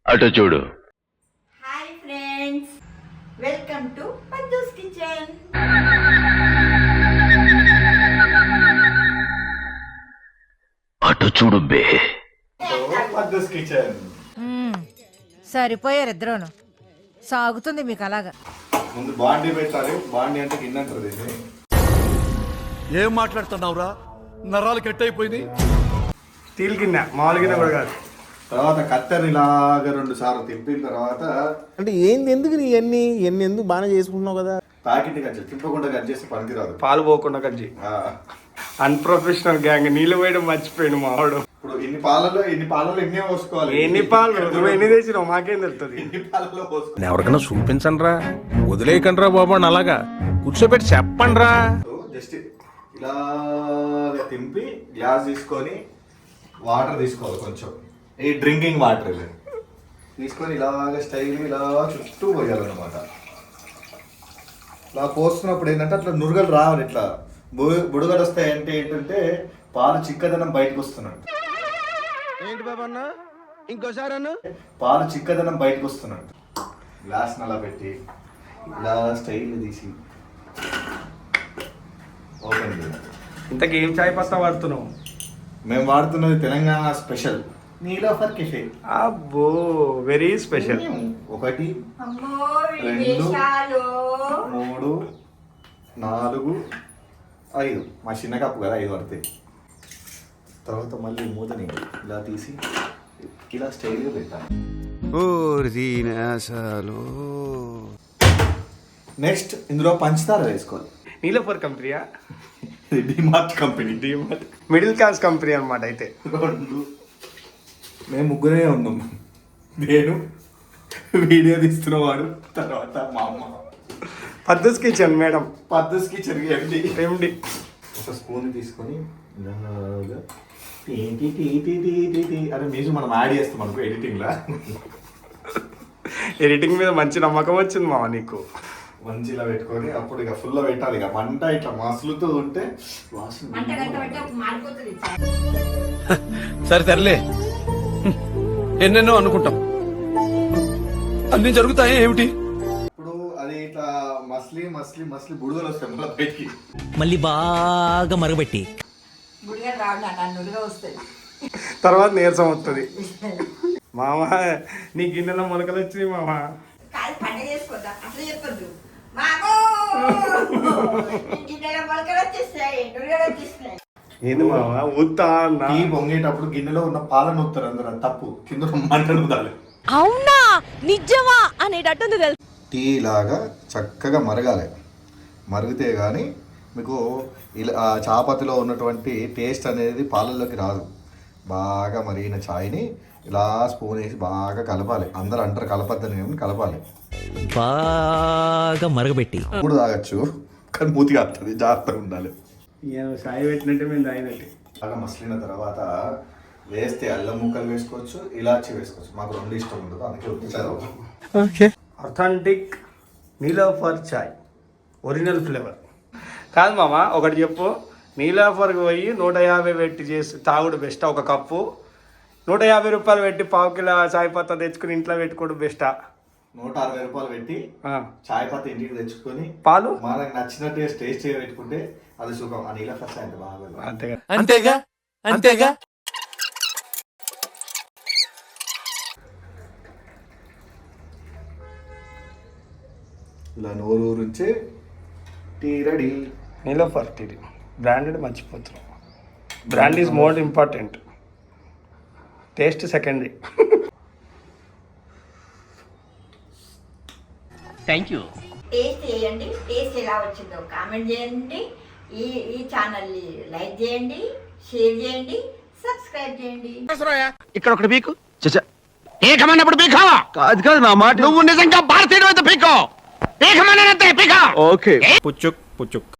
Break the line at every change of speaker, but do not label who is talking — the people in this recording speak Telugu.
అటు చూడు.
Hi friends, welcome to Paddu's kitchen.
అటు చూడు బే.
పద్దూస్ కిచెన్.
సరిపోయారు ఇద్దరును. సాగుతుంది మీకు అలాగా.
ముందు బాండీ పెట్టాలి. బాండీ అంటే గిన్నె అంటారు దీన్ని.
ఏం మాట్లాడుతున్నావురా? నరాలు కట్ అయిపోయింది.
స్టీల్ గిన్నె, మామూలు గిన్నె కూడా కాదు.
తర్వాత కత్తెర ఇలాగా 2 సార్లు తిప్పిన తర్వాత
అంటే ఏంది, ఎందుకు నీ ఎన్ని ఎందుకు బాగానే చేసుకుంటున్నావు కదా.
ప్యాకెట్ కట్ చేసి తిప్పకుండా కట్ చేస్తే పనికిరాదు.
పాలు పోకుండా కజ్జి. Unprofessional gang. నీళ్ళు పోయడం మర్చిపోయాడు మావాడు.
ఇప్పుడు ఇన్ని పాలలో ఎన్ని పోసుకోవాలి?
ఎన్ని పాలు నువ్వు ఎన్ని తెచ్చినావు మాకేం తెలుస్తుంది.
ఎన్ని పాలలో పోసుకోవాలి?
ఎవరికైనా చూపించండి రా, వదిలేయకండి రా బాబు అని అలాగా కూర్చోబెట్టి చెప్పండి రా.
జస్ట్ ఇలా తింపి గ్లాస్ తీసుకొని వాటర్ తీసుకోవాలి. కొంచెం ఈ డ్రింకింగ్ వాటర్ తీసుకొని ఇలాగ స్టైల్ ఇలా చుట్టూ పోయాలన్నమాట. ఇలా పోస్తున్నప్పుడు ఏంటంటే అట్లా నురగలు రావాలి. ఇట్లా బుడగలు వస్తాయి. అంటే ఏంటంటే పాలు చిక్కదనం బయటకు వస్తున్నాడు.
ఏంటి బాబు అన్న, ఇంకోసారి అన్న.
పాలు చిక్కదనం బయటకు వస్తున్నాడు. గ్లాస్ అలా పెట్టి ఇలా స్టైల్ తీసి ఓపెన్ చేయాలి.
ఇంతకీ ఏం చాయ్ పత్తా వాడుతున్నావు?
మేము వాడుతున్నది తెలంగాణ స్పెషల్ నీలోఫర్ కెఫే.
అబ్బో, వెరీ స్పెషల్.
1
అమ్మో
2
విదేశాలు.
3 4 5 మా చిన్న కప్పు కదా 5 పడతాయి. తర్వాత మళ్ళీ మూతని ఇలా తీసి ఇలా స్టైల్గా పెట్టాలి. నెక్స్ట్ ఇందులో పంచదార వేసుకోవాలి.
నీలోఫర్ కంపెనీయా?
DMart company.
DMart middle class company అనమాట. అయితే
2 మేము ముగ్గురే ఉన్నాం. నేను, వీడియో తీస్తున్నవాడు, తర్వాత మా అమ్మ.
Paddu's kitchen madam.
Paddu's kitchen
MD.
ఒక స్పూన్ తీసుకొని ఇలాగా అరే మ్యూజిక్ మనం యాడ్ చేస్తాం అనుకో ఎడిటింగ్లా.
ఎడిటింగ్ మీద మంచి నమ్మకం వచ్చింది మామ నీకు.
మంచి ఇలా పెట్టుకొని అప్పుడు ఇక ఫుల్ పెట్టాలి. ఇక మంట ఇట్లా మసులుతూ ఉంటే వాసన.
మంట గంట పెట్టి అప్పుడు మారిపోతుంది.
సరే సర్లే, ఎన్నెన్నో అనుకుంటాం, అన్ని జరుగుతాయి ఏమిటి.
ఇప్పుడు అది ఇట్లా మస్లీ మస్లీ మస్లీ బుడగలు వస్తాయి మళ్ళీ బయటికి.
మళ్ళీ బాగా మరగబెట్టి
గుడిగా రాడు నన్ను నుడిగా వస్తుంది.
తర్వాత నీరసం వస్తుంది. మామ నీ గిన్నెలో మొలకలు వచ్చినాయి మామ.
కాదు పండుగ చేసుకోద్దాం అట్లా చెప్పొద్దు. మామో గిన్నెలో మొలకలు వచ్చేస్తాయి, నుడిగలు వచ్చేస్తాయి.
ఏంది మామ ఊతా అన్న.
టీ పొంగేటప్పుడు గిన్నెలో ఉన్న పాలను ఊపుతారు అందరూ. అది తప్పు. కింద మంటలు ఊదాలి.
అవునా, నిజమా అనేటట్టుంది తెలుసు.
టీ లాగా చక్కగా మరగాలి. మరిగితే కానీ మీకు ఇలా చాపతిలో ఉన్నటువంటి టేస్ట్ అనేది పాలల్లోకి రాదు. బాగా మరిగిన ఛాయ్ని ఇలా స్పూన్ వేసి బాగా కలపాలి. అందరూ అంటారు కలపద్దని, కానీ కలపాలి.
బాగా మరగబెట్టి
ఇప్పుడు తాగొచ్చు, కానీ మూతిగా వస్తుంది. జాగ్రత్తగా ఉండాలి.
సాయి పెట్టినట్టే మేము తాగినట్టే.
బాగా మసిలిన తర్వాత వేస్తే అల్లం ముక్కలు వేసుకోవచ్చు, ఇలాచి వేసుకోవచ్చు. మాకు 2 ఇష్టం ఉండదు, అందుకే వచ్చారు.
Authentic Niloufer chai, original flavour. కాదు మామ, ఒకటి చెప్పు. నీలోఫర్కి పోయి 150 పెట్టి చేసి తాగుడు బెస్టా? ఒక కప్పు 150 రూపాయలు పెట్టి పావు కిలో చాయ్ పత్తా తెచ్చుకుని ఇంట్లో పెట్టుకోవడం బెస్టా?
160 రూపాయలు పెట్టి చాయ్ పత్తి ఇంటికి తెచ్చుకొని
పాలు
మనకు నచ్చిన టేస్ట్ పెట్టుకుంటే అది సుఖం. ఆ నీలోఫర్ చాయ్ అంటే బాగా.
అంతేగా
అంతేగా అంతేగా.
ఇలా నోరు నుంచే tea ready.
Niloufer tea branded మర్చిపోతున్నాం. Brand is more important, taste secondary.
Thank you.
Taste చేయండి, టేస్ట్ ఎలా వచ్చిందో కామెంట్ చేయండి. ఈ ఛానల్ని లైక్ చేయండి, షేర్ చేయండి, సబ్స్క్రైబ్ చేయండి.
ఇక్కడ ఒకటి పీకు ఏకమన్నప్పుడు పీకావా? కాదు కాదు నా మాట. నువ్వు నిజంగా భారతీయుడు అయితే పీకో. ఏకమన్నంతే పీకా. ఓకే. పుచ్చుక్ పుచ్చుక్.